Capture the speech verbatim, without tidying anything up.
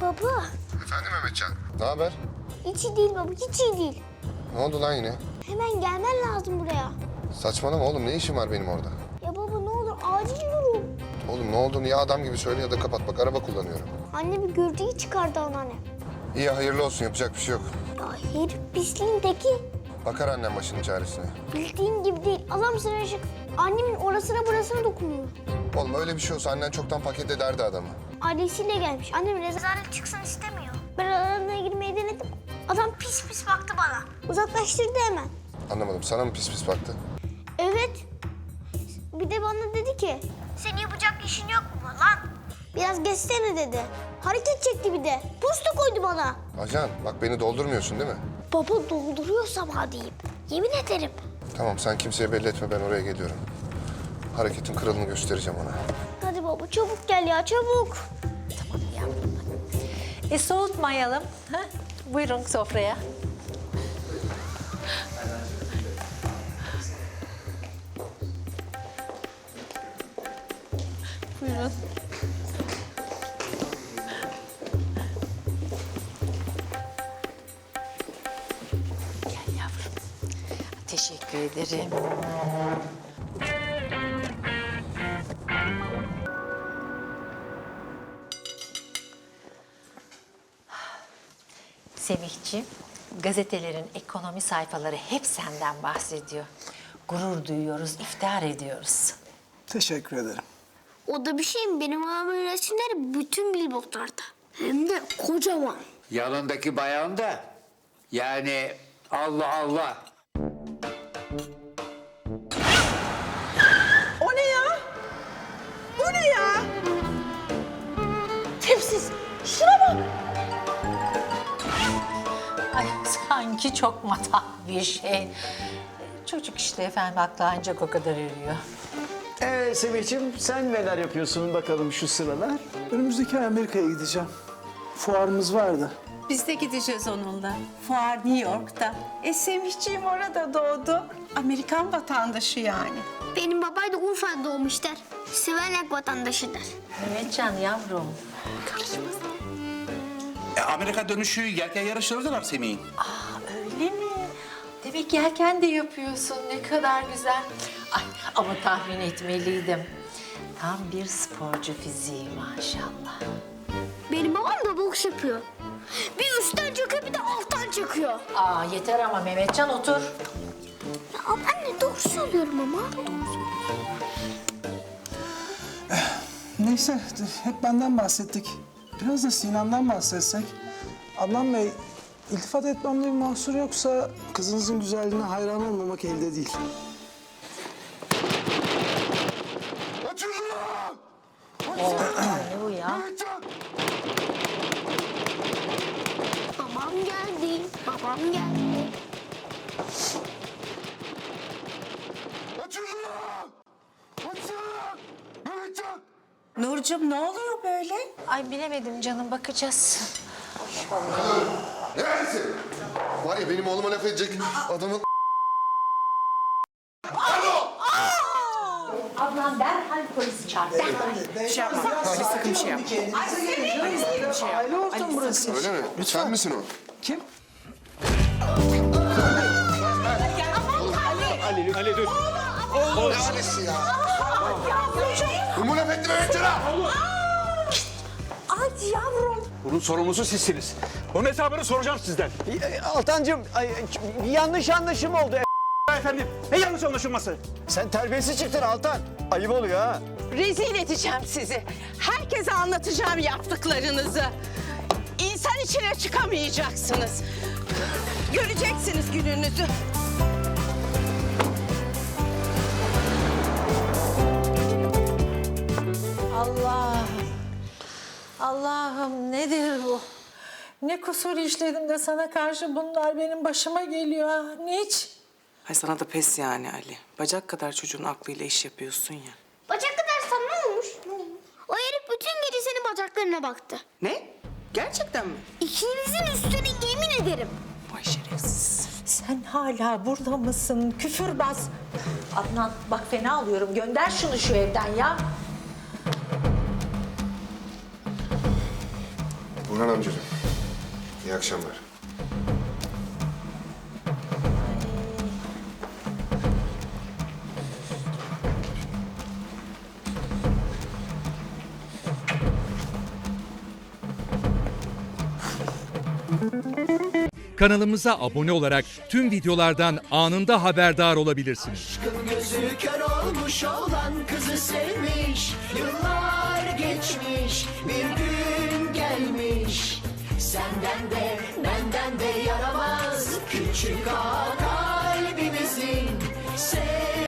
Baba, Efendim Mehmetcan. Ne haber? hiç iyi değil baba, hiç iyi değil. Ne oldu lan yine? Hemen gelmen lazım buraya. Saçmalama oğlum, ne işin var benim orada? Ya baba ne olur acil durum. Oğlum ne olduğunu ya adam gibi söyle ya da kapat, bak araba kullanıyorum. Anne bir gürültüyü çıkardı anneanne. İyi, hayırlı olsun, yapacak bir şey yok. Ya herif pisliğin teki. Bakar annem başının çaresine. Bildiğin gibi değil. Adam sıracık. Annemin orasına burasına dokunuyor. Oğlum öyle bir şey olsa annen çoktan paket ederdi adamı. Ailesiyle gelmiş. Annem rezalet çıksın istemiyor. Ben aralarına girmeyi denedim. Adam pis pis baktı bana. Uzaklaştırdı hemen. Anlamadım, sana mı pis pis baktı? Evet. Bir de bana dedi ki, senin yapacak işin yok mu lan? Biraz geçsene dedi. Hareket çekti bir de. Posta koydu bana. Ajan, bak beni doldurmuyorsun değil mi? Baba dolduruyorsam hadiyim. Yemin ederim. Tamam, sen kimseye belli etme, ben oraya geliyorum. Hareketin kralını göstereceğim ona. Hadi baba çabuk gel ya çabuk. Tamam yavrum. E soğutmayalım. Ha? Buyurun sofraya. Buyurun. Gel yavrum. Teşekkür ederim. Semihciğim, gazetelerin ekonomi sayfaları hep senden bahsediyor. Gurur duyuyoruz, iftihar ediyoruz. Teşekkür ederim. O da bir şey mi? Benim babamın resimleri bütün billboardlarda. Hem de kocaman. Yanındaki bayan da yani Allah Allah. O ne ya? Bu ne ya? Tipsiz. Şuna bak. Ay sanki çok matah bir şey. Çocuk işte efendim, aklı ancak o kadar eriyor. Ee Semih'ciğim sen neler yapıyorsun bakalım şu sıralar? Önümüzdeki ay Amerika'ya gideceğim. Fuarımız vardı. Biz de gideceğiz onunla. Fuar New York'ta. E Semihciğim orada doğdu. Amerikan vatandaşı yani. Benim babay da Urfa'da doğmuşlar. Siverlak vatandaşıdır. Mehmetcan yavrum. E, Amerika dönüşü yelken yarışları da var Semih'in. Öyle mi? Demek yelken de yapıyorsun. Ne kadar güzel. Ay ama tahmin etmeliydim. Tam bir sporcu fiziği maşallah. Benim babam da boks yapıyor. Bir üstten çakıyor bir de alttan çakıyor. Aa yeter ama Mehmetcan otur. Ya anne doğru söylüyorum ama. Neyse hep benden bahsettik. Biraz da Sinan'dan bahsetsek. Adnan Bey, iltifat etmemde bir mahsur yoksa kızınızın güzelliğine hayran olmamak elde değil. Açın lan! Ne bu ya? Babam geldi. Babam geldi. Açın lan! Açın! Mehmetcan! Nurcuğum ne oluyor böyle? Ay bilemedim canım, bakacağız. Neredesin? Var ya benim oğluma laf edecek adamın... Ablam derhal polisi çağır. Bir şey yapma. Öyle sakın bir şey yapma. Aile ortamı burası. Öyle mi? Sen misin o? Kim? Neresi ya? Kim bu laf etti Mehmetcan'a? Ay yavrum. Bunun sorumlusu sizsiniz. Bunun hesabını soracağım sizden. Ee, Altancığım ay, yanlış anlaşım oldu. Efendim, ne yanlış anlaşılması? Sen terbiyesiz çıktın Altan. Ayıp oluyor ha. Rezil edeceğim sizi. Herkese anlatacağım yaptıklarınızı. İnsan içine çıkamayacaksınız. Göreceksiniz gününüzü. Allah'ım. Allah'ım nedir bu? Ne kusur işledim de sana karşı bunlar benim başıma geliyor ha? Niç? Ay sana da pes yani Ali. Bacak kadar çocuğun aklıyla iş yapıyorsun ya. Bacak kadar sana ne olmuş? O herif bütün gece senin bacaklarına baktı. Ne? Gerçekten mi? İkinizin üstüne yemin ederim. Vay şerefsiz. Sen hala burada mısın? Küfürbaz. Adnan bak fena alıyorum. Gönder şunu şu evden ya. Orhan amcacığım, iyi akşamlar. Kanalımıza abone olarak tüm videolardan anında haberdar olabilirsiniz. Gözü kör olmuş olan kızı sevmiş. Yıllar geçmiş, bir gün gelmiş. Senden de benden de yaramaz küçük ağa kalbimizin. Sev